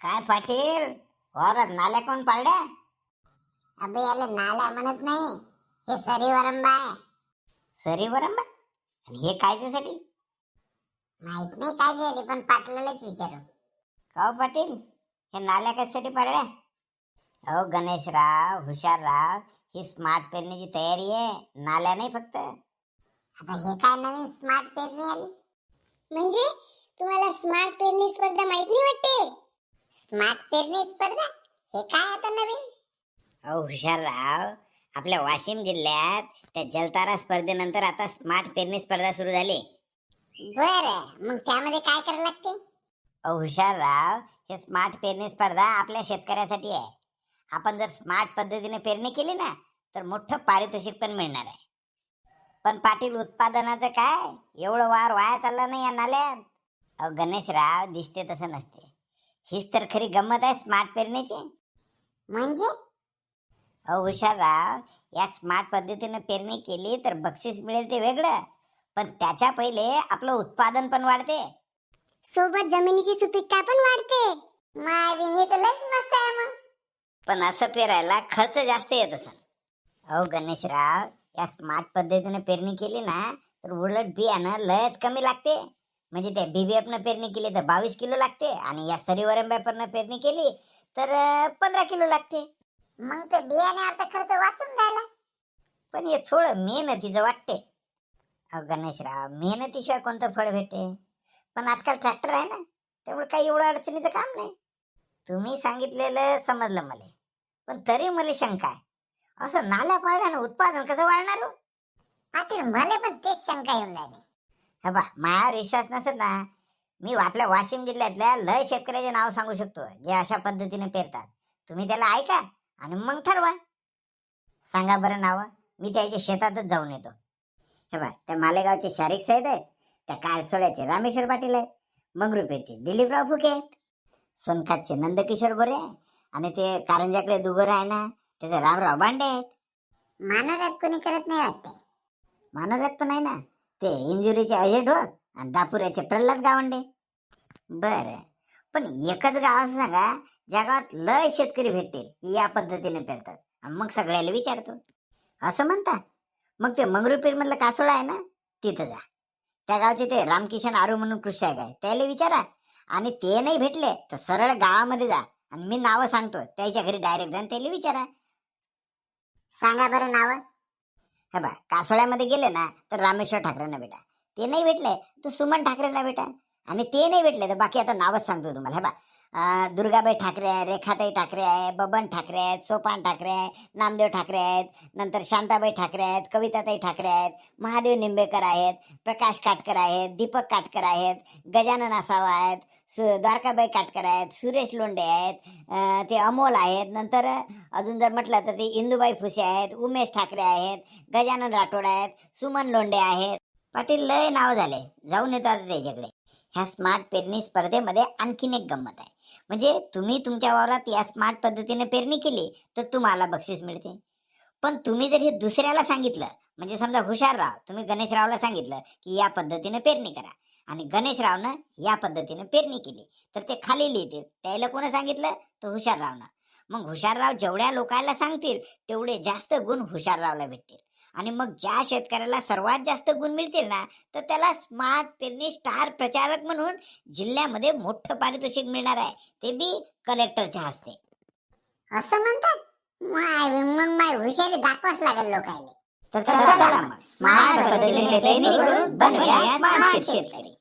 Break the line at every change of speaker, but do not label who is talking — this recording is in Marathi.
काय पाटील वावरात नाल्या कोण पाडल्या?
अबे याला नाला म्हणत नाही, हे सरीवरंबा आहे.
सरीवरंबा? आणि हे कायच्यासाठी?
माहित नाही काय झाले, पण पाटलालाच विचारू.
का हो पाटील, हे नाल्या कशासाठी पाडल्या? अहो गणेशराव, हुशारराव, ही स्मार्ट पेरणीची तयारी आहे, नाल्या नाही फक्त.
आता हे काय नवीन स्मार्ट पेरणी आली? म्हणजे तुम्हाला स्मार्ट पेरणी स्पर्धा माहित नाही वाटते? स्मार्ट पेरणी स्पर्धा हे काय आता नवीन?
अहो हुशारराव, आपल्या वाशिम जिल्ह्यात त्या जलतारा स्पर्धेनंतर आता स्मार्ट पेरणी स्पर्धा सुरू झाली.
बरं, मग त्यामध्ये काय करायला लागते?
अहो हुशारराव, हे स्मार्ट पेरणी स्पर्धा आपल्या शेतकऱ्यासाठी आहे. आपण जर स्मार्ट पद्धतीने पेरणी केली ना तर मोठं पारितोषिक पण मिळणार आहे. पण पाटील उत्पादनाचं काय? एवढं वाया चाललं नाही या नाल्यात. अहो गणेशराव, दिसते तसं नसते. हीच तर खरी गंमत आहे स्मार्ट पेरणीची.
म्हणजे
अहो हुशारराव, या स्मार्ट पद्धतीने पेरणी केली तर बक्षीस मिळेल ते वेगळं, पण त्याच्या पहिले आपलं उत्पादन पण वाढते.
सोबत जमिनीची सुपीकता पण वाढते. मायविनी तर लयच मस्त आहे मग.
पण असं पेरायला खर्च जास्त येत असेल. अहो गणेशराव, या स्मार्ट पद्धतीने पेरणी केली ना तर उलट बियाणं लयच कमी लागते. म्हणजे त्या BBF पेरणी केली तर 22 किलो लागते आणि या सरीवरंब्यापरनं पेरणी केली तर 15 किलो लागते.
मग ते बियाण्याचा खर्च वाचून राहिला.
पण हे थोडं मेहनतीचं वाटते. अहो गणेशराव, मेहनतीशिवाय कोणतं फळ भेटते? पण आजकाल ट्रॅक्टर आहे ना, त्यामुळे काही एवढं अडचणीचं काम नाही. तुम्ही सांगितलेलं समजलं मला, पण तरी मला शंका आहे, असं नाल्या पाडल्यानं उत्पादन कसं वाढणार हो?
पाटील मला पण तेच शंका येऊन राहिली.
हे बा, माझ्यावर विश्वास नसेल ना, मी आपल्या वाशिम जिल्ह्यातल्या लय शेतकऱ्याचे नाव सांगू शकतो जे अशा पद्धतीने पेरतात. तुम्ही त्याला ऐका आणि मग ठरवा. सांगा बरं नाव, मी त्याच्या शेतातच जाऊन येतो. हे बा, त्या मालेगावचे शारीक साहेब आहेत, त्या काळसोळ्याचे रामेश्वर पाटील आहेत, मंगरुपेठचे दिलीपराव फुके आहेत, सोनखातचे नंदकिशोर बोरे आणि ते कारंजाकडे दुगोर आहे ना त्याचे रामराव बांडे आहेत.
मानवरात कोणी करत नाही वाटते.
मानवरात पण आहे ना, ते इंजुरीचे अजय ढोक आणि दापुऱ्याचे प्रल्हाद गावंडे. बर, पण एकच गाव असं सांगा ज्या गावात लय शेतकरी भेटतील या पद्धतीने पेरतात, आणि मग सगळ्याला विचारतो असं म्हणता. मग ते मंगरुळपीर मधलं कासोळा आहे ना, तिथं जा. त्या गावचे ते रामकिशन आरू म्हणून कृषी आहे, त्याला विचारा. आणि ते नाही भेटले तर सरळ गावामध्ये जा आणि मी नावं सांगतो, त्याच्या घरी डायरेक्ट जा आणि त्याला विचारा.
सांगा बरं नाव.
हे बा, कासोळ्यामध्ये गेले ना तर रामेश्वर ठाकरेंना भेटा. ते नाही भेटले तर सुमन ठाकरेंना भेटा. आणि ते नाही भेटले तर बाकी आता नावच सांगतो तुम्हाला. हे बा, दुर्गाबाई ठाकरे आहे, रेखाताई ठाकरे आहे, बबन ठाकरे आहेत, सोपान ठाकरे आहे, नामदेव ठाकरे आहेत, नंतर शांताबाई ठाकरे आहेत, कविताताई ठाकरे आहेत, महादेव निंबेकर आहेत, प्रकाश काटकर आहेत, दीपक काटकर आहेत, गजानन आसावा आहेत, द्वारकाबाई काटकर आहेत, सुरेश लोंढे आहेत, ते अमोल आहेत. नंतर अजून जर म्हटलं तर ते इंदुबाई फुसे आहेत, उमेश ठाकरे आहेत, गजानन राठोड आहेत, सुमन लोंढे आहेत. पाटील लय नाव झाले, जाऊन येतो आता त्याच्याकडे. ह्या स्मार्ट पेरणी स्पर्धेमध्ये आणखीन एक गंमत आहे. म्हणजे तुम्ही तुमच्या वावरात या स्मार्ट पद्धतीने पेरणी केली तर तुम्हाला बक्षीस मिळते. पण तुम्ही जर हे दुसऱ्याला सांगितलं, म्हणजे समजा हुशारराव, तुम्ही गणेशरावला सांगितलं की या पद्धतीने पेरणी करा, आणि गणेशरावनं या पद्धतीने पेरणी केली तर ते खाली लिहितील. त्याला कोणी सांगितलं? तर हुशाररावनं. मग हुशारराव जेवढ्या लोकांना सांगतील तेवढे जास्त गुण हुशाररावला भेटतील. आणि मग ज्या शेतकऱ्याला सर्वात जास्त गुण मिळतील ना तर त्याला स्मार्ट पेरणी स्टार प्रचारक म्हणून जिल्ह्यामध्ये मोठं पारितोषिक मिळणार आहे, ते बी कलेक्टरच्या हस्ते.
असं म्हणतात? मग माय हुशारी दाखवाच लागेल लोकांना.
तर चला मग स्मार्ट पद्धतीने पेरणी करून बनूया स्मार्ट शेतकरी.